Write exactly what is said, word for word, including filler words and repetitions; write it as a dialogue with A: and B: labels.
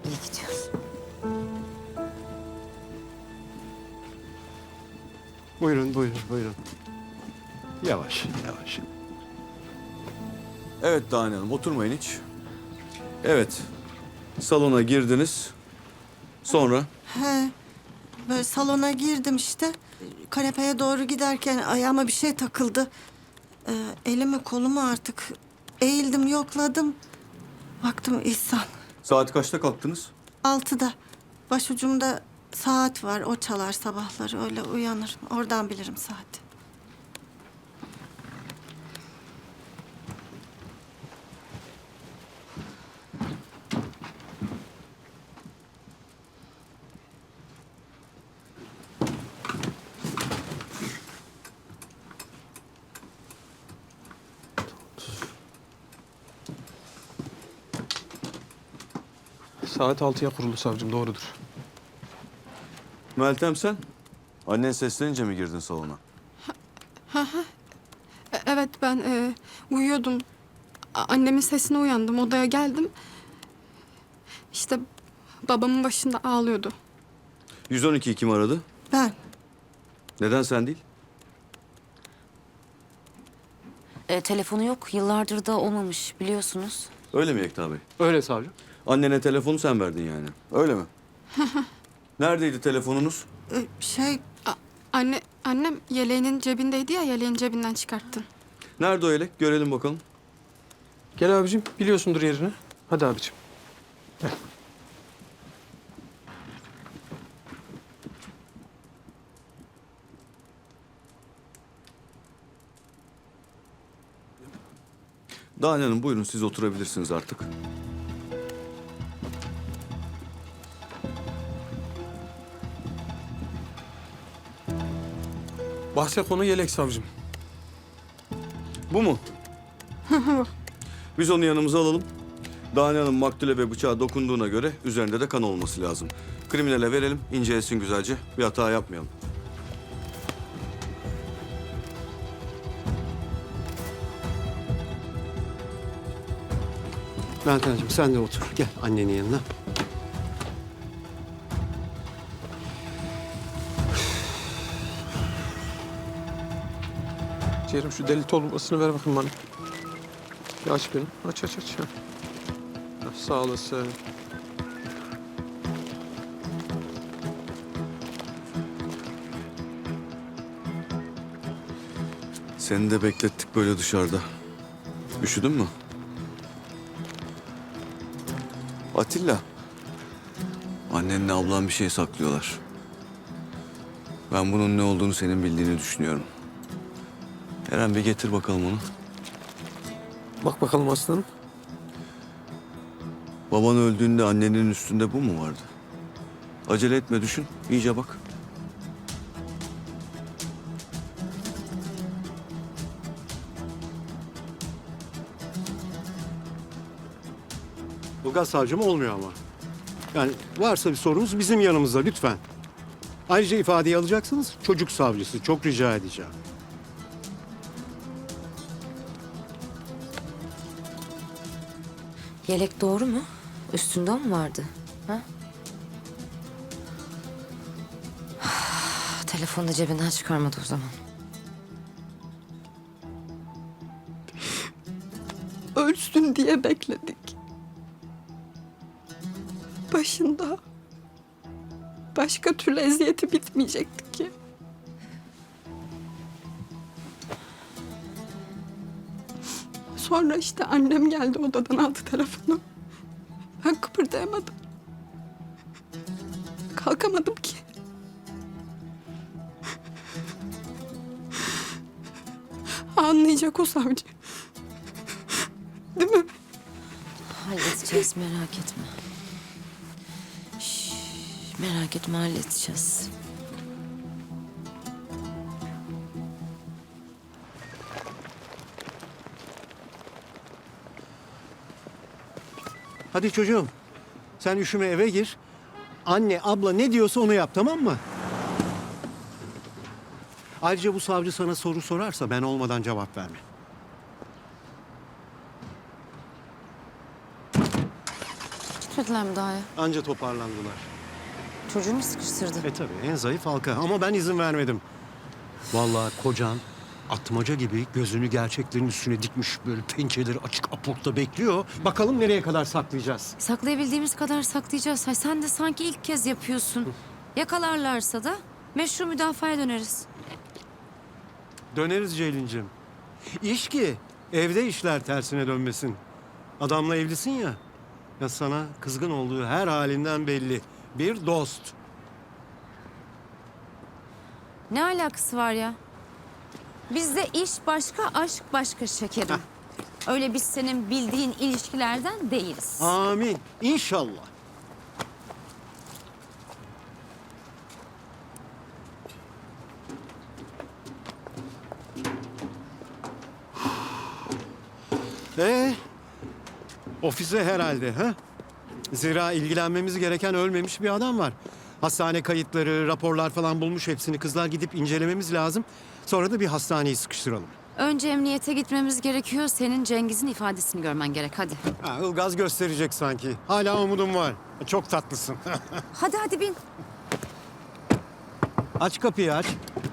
A: İyi gidiyor.
B: Buyurun, buyurun, buyurun. Yavaş, yavaş.
C: Evet Dane Hanım, oturmayın hiç. Evet, salona girdiniz. Sonra?
D: He, böyle salona girdim işte. Kanepeye doğru giderken ayağıma bir şey takıldı. Ee, elimi kolumu artık eğildim, yokladım. Baktım İhsan.
C: Saat kaçta kalktınız?
D: Altıda. Başucumda saat var, o çalar sabahları. Öyle uyanırım. Oradan bilirim saati.
E: Saat altıya kurulu savcım, doğrudur.
C: Meltem sen? Annen seslenince mi girdin salona?
F: E- Evet ben e, uyuyordum. A- Annemin sesine uyandım. Odaya geldim. İşte babamın başında ağlıyordu.
C: yüz on ikiyi kim aradı?
D: Ben.
C: Neden sen değil?
A: E, telefonu yok. Yıllardır da olmamış biliyorsunuz.
C: Öyle mi Yekta Bey?
B: Öyle savcım.
C: Annene telefonu sen verdin yani. Öyle mi? Neredeydi telefonunuz?
D: Ee, şey,
F: A- anne annem yeleğinin cebindeydi ya, yeleğin cebinden çıkarttın.
C: Nerede o yelek? Görelim bakalım.
E: Gel abicim, biliyorsundur yerini. Hadi abicim. Gel.
C: Dane Hanım buyurun siz oturabilirsiniz artık.
E: Bahse konu yelek savcım.
C: Bu mu? Biz onu yanımıza alalım. Dane Hanım maktule ve bıçağa dokunduğuna göre üzerinde de kan olması lazım. Kriminale verelim, incelesin güzelce. Bir hata yapmayalım.
B: Meltemciğim sen de otur. Gel annenin yanına.
E: Ciğerim şu deli torbasını ver bakayım bana. Bir aç beni. Aç aç aç. Ha. Ha, sağ olasın.
C: Seni de beklettik böyle dışarıda. Üşüdün mü? Atilla. Annenle ablan bir şey saklıyorlar. Ben bunun ne olduğunu senin bildiğini düşünüyorum. Eren bir getir bakalım onu.
E: Bak bakalım aslanım.
C: Baban öldüğünde annenin üstünde bu mu vardı? Acele etme düşün. İyice bak.
B: Ilgaz savcım olmuyor ama. Yani varsa bir sorunuz bizim yanımızda lütfen. Ayrıca ifadeyi alacaksınız. Çocuk savcısı. Çok rica edeceğim.
A: Yelek doğru mu? Üstünde o mu vardı? Ha? Telefonu da cebinden çıkarmadı o zaman.
F: Ölsün diye bekledik. Başında başka türlü eziyeti bitmeyecekti ki. Sonra işte annem geldi, odadan aldı telefonu. Ben kıpırdayamadım. Kalkamadım ki. Anlayacak o savcı. Değil mi?
A: Halledeceğiz merak etme. Şş, merak etme halledeceğiz.
B: Hadi çocuğum. Sen üşüme eve gir. Anne, abla ne diyorsa onu yap, tamam mı? Ayrıca bu savcı sana soru sorarsa ben olmadan cevap verme.
A: Gitme gelmediler mi daha ya?
B: Anca toparlandılar.
A: Çocuğu mu sıkıştırdı?
B: E tabii en zayıf halka ama ben izin vermedim. Vallahi kocan atmaca gibi gözünü gerçeklerin üstüne dikmiş böyle pençeleri açık apurtta bekliyor. Bakalım nereye kadar saklayacağız.
A: Saklayabildiğimiz kadar saklayacağız. Hay sen de sanki ilk kez yapıyorsun. Yakalarlarsa da meşru müdafaya döneriz.
B: Döneriz Ceylin'cim. İş ki evde işler tersine dönmesin. Adamla evlisin ya. Ya sana kızgın olduğu her halinden belli. Bir dost.
A: Ne alakası var ya? Bizde iş başka, aşk başka şekerim. Öyle biz senin bildiğin ilişkilerden değiliz.
B: Amin. İnşallah. Ee, ofise herhalde ha? Zira ilgilenmemiz gereken ölmemiş bir adam var. Hastane kayıtları, raporlar falan bulmuş hepsini. Kızlar gidip incelememiz lazım. Sonra da bir hastaneyi sıkıştıralım.
A: Önce emniyete gitmemiz gerekiyor. Senin Cengiz'in ifadesini görmen gerek. Hadi.
B: Ha, Ilgaz gösterecek sanki. Hala umudum var. Çok tatlısın.
A: Hadi hadi bin.
B: Aç kapıyı aç.